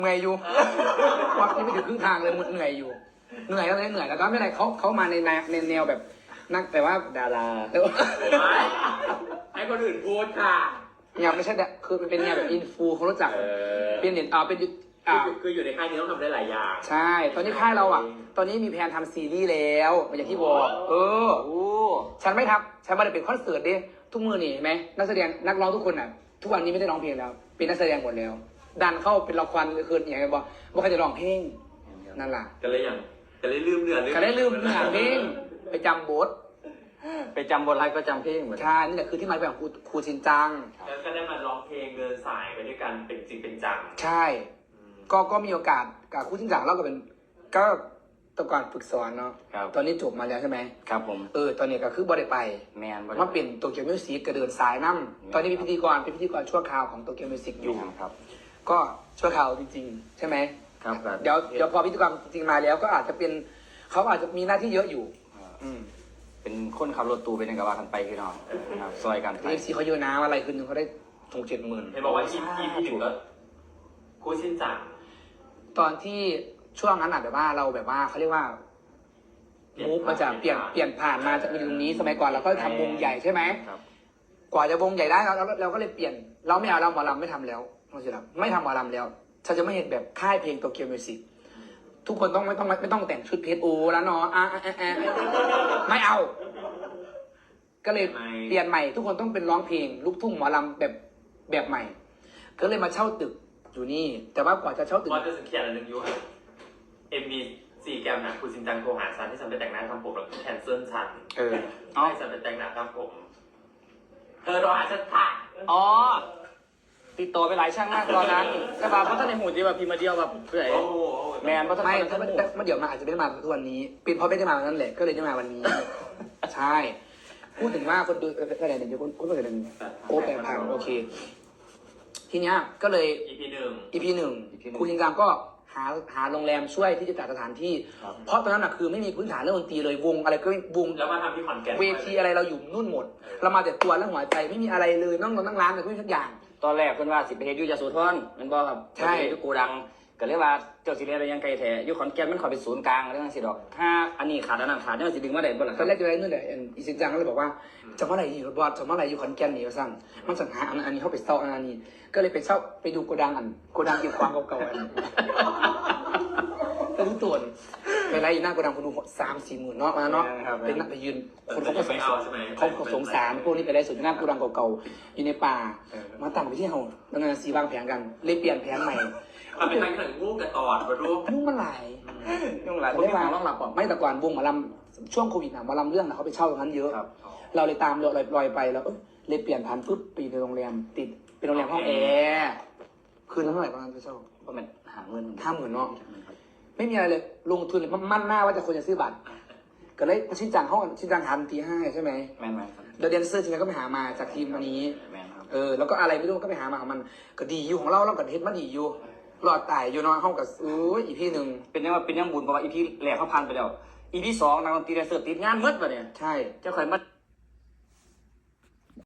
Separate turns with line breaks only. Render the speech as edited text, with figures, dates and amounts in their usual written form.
เหนื่อยอยู่วัดยังไม่ถึงครึ่งทางเลยเหนื่อยอยู่เหนื่อยแล้วเหนื่อยแล้วก็ไม่เป็นไรเขามาในแนวแบบนักแต่ว่า
ดารา
ให้คนอื่นพูดค่ะ
เนี่ยไม่ใช่คือมันเป็นแนวแบบอินฟูเขารู้จักเป็นเน็ตเป็น
คืออยู่ในค่ายนี้ต้องทำได้หลายอย่าง
ใช่ตอนนี้ค่ายเราตอนนี้มีแผนทำซีรีส์แล้วอย่างที่บอกฉันไม่ทำฉันไม่ได้เป็นคอนเสิร์ตดิทุกมือนี่ไหมนักแสดงนักร้องทุกคนทุกวันนี้ไม่ได้ร้องเพลงแล้วเป็นนักแสดงหมดแล้วดันเข้าเป็นละครคืนอย่างไรบอกว่าใครจะร้องเพลงนั่นแหละ
ก็เลยลืมเนื้อ
ก็ได้ลืมเนื้อเพลงไปจำบท
ไปจำบทไลฟ์ก็จำเพลงเหมือน
ใช่นี่แหละคือที่มาของครูชินจัง
แล้วก็ได้มาร้องเพลงเดินสายไปด้วยกันเป็นจริงเป็นจัง
ใช่ก็มีโอกาสกับครูชินจังเราก็เป็นก็ตะก่อนฝึกสอนเนาะตอนนี้จบมาแล้วใช่ไหม
ครับผม
ตอนนี้ก็คือบริไป
แมน
มาเปลี่ยนโตเกียวมิวสิกก็เดินสายน้ำตอนนี้เป็นพิธีกรชั่วคราวของโตเกียวมิวสิกอยู่
ครับ
ก็ชั่วคราวจริงๆใช่ไหม
ครับ
เดี๋ยวพอพิธีกรจริงมาแล้วก็อาจจะเป็นเขาอาจจะมีหน้าที่เยอะอยู่
เป็นคนขับรถตู้ไปในกระบะกันไปคือน้องซอยกัน
ไปซีเขาเยอะนะอะไรคืนนึงเขาได้6-7 หมื่น
เห็นบอกว่าEP 1ก็ครูชินจัง
ตอนที่ช่วงนั้นแบบว่าเราแบบว่าเขาเรียกว่ามูฟมาจากเปลี่ยนผ่านมาจากตรงนี้สมัยก่อนเราก็ทำวงใหญ่ใช่ไหมกว่าจะวงใหญ่ได้เราก็เลยเปลี่ยนเราไม่เอาเราหมอลำไม่ทำแล้วไม่ทำหมอลำแล้วฉันจะไม่เห็นแบบค่ายเพลงโตเกียวมิวสิกทุกคนไม่ต้องแต่งชุดเพชรโอแล้วเนาะไม่เอาก็เลยเปลี่ยนใหม่ทุกคนต้องเป็นร้องเพลงลูกทุ่งหมอลำแบบใหม่ก็เลยมาเช่าตึกอยู่นี่แต่ว่ากว่าจะเช่าตึก
ว่าจะสังเกตอะไรนึงอยู่MB4 แกมนะคุณชินจังโทรหาฉันที่ฉันไปแต่งหน้าทำผมแล้วแคนเซิลฉันให้ฉันไปแต่งหน้าทำผมเธอโทรหาฉันค่ะ
ติดต่อไปหลายช่างมากตอนนั้นแต่บาเพราะท่านในหูจีแบบพิมพ์มาเดียวแบบเพื่อแมนเพราะท่าน
ไม่ถ้าเดี๋ยวมาอาจจะไม่ได้มาทุกวันนี้เป็นเพราะไม่ได้มาวันนั้นแหละก็เลยได้มาวันนี้ใช่พูดถึงว่าคนดูอะไรเนี่ยคนก็เลยโอ้แปลพังโอเคทีเนี้ยก็เลย EP หนึ่งครูชินจังก็หาโรงแรมช่วยที่จะจัดสถานที่เพราะตอนนั้นคือไม่มีพื้นฐานเรื่องดนตรีเลยวงอะไรก็วง
แล้วมาทำที่ขอนแก่น
เวทีอะไรเราอยู่นู่นหมดเรามาแต่ตัวและหัวใจไม่มีอะไรเลยนั่งร้านแต่ไม่มีทุกอย่าง
ตอนแรกเพิ่นว่าสิไปเฮ็ดอยู่ยโสธรมันบ่ครับ
ใช่
อยู่กูดังก็เลยว่าเจ้าสิเรียนอะไรยังไกลแท้อยู่ขอนแก่นมันขอเป็นศูนย์กลางเรื่องสิดอกถ้าอันนี้ขาดอันนั้นขาดเนี่ยสิดึงมาได้บ่ล่ะ
ตอนแรกจะได้นู่นแหละอีซินจังก็เลยบอกว่าจะเมื่อไหร่อยู่บอสจะเมื่อไหร่อยู่ขอนแก่นนี่ว่าสั่งมันสั่งหาอันนี้เข้าไปเช่าอันนี้ก็เลยไปเช่าไปดูโกดังเก็บความเก่าๆก็รู้ตัวไปไล่หน้าโกดังคนดู3-4 หมื่นเนาะมาเนาะเป็นนักไปยืนคนเขาก็สงสารพวกนี้ไปไล่สุดหน้าโกดังเก่าๆอยู่ในป่ามาตั้งไปที่เฮาแล้วงานซีวางแผนกันเลยเปลี่ยนแผนใหม่
มันเป็นทางงูกระตอดมาดู
ยุ่งมันหลาย
คนที่มาต้องหลับ
ไม่แต่ก่อนวงหมอลำช่วงโควิดหมอลำเรื่องเขาไปเช่าตรงนั้นเยอะเราเลยตามลอยไปแล้วเลยเปลี่ยนผ่านปุ๊บไปในโรงแรมติดเป็นโรงแรมห้องแอร์คืนละเท่าไหร่ประมาณไปเช่า
ประมาณ
50,000เนาะไม่มีอะไรเลยลงทุนเลยมั่นหน้าว่าจะควรจะซื้อบัตรก็เลยชินจังหันตี 5ใช่ไหม
แม่นครับ
เดนเซอร์จริงๆก็ไปหามาจากทีมวันนี้
แม่นครับ
แล้วก็อะไรไม่รู้ก็ไปหามาของมันก็ดีอยู่ของเรากับเฮ็ดมันดีอยู่หลอดตายอยู่นอนห้องกับอีพี 1
เป็นยังบุญเพราะว่าอีพีแรกเขาผ่านไปแล้วอีพี 2นักดนตรีแดนเซอร์ติดงานมืดป่ะเนี่ย
ใช่
เจ้าข่อยมา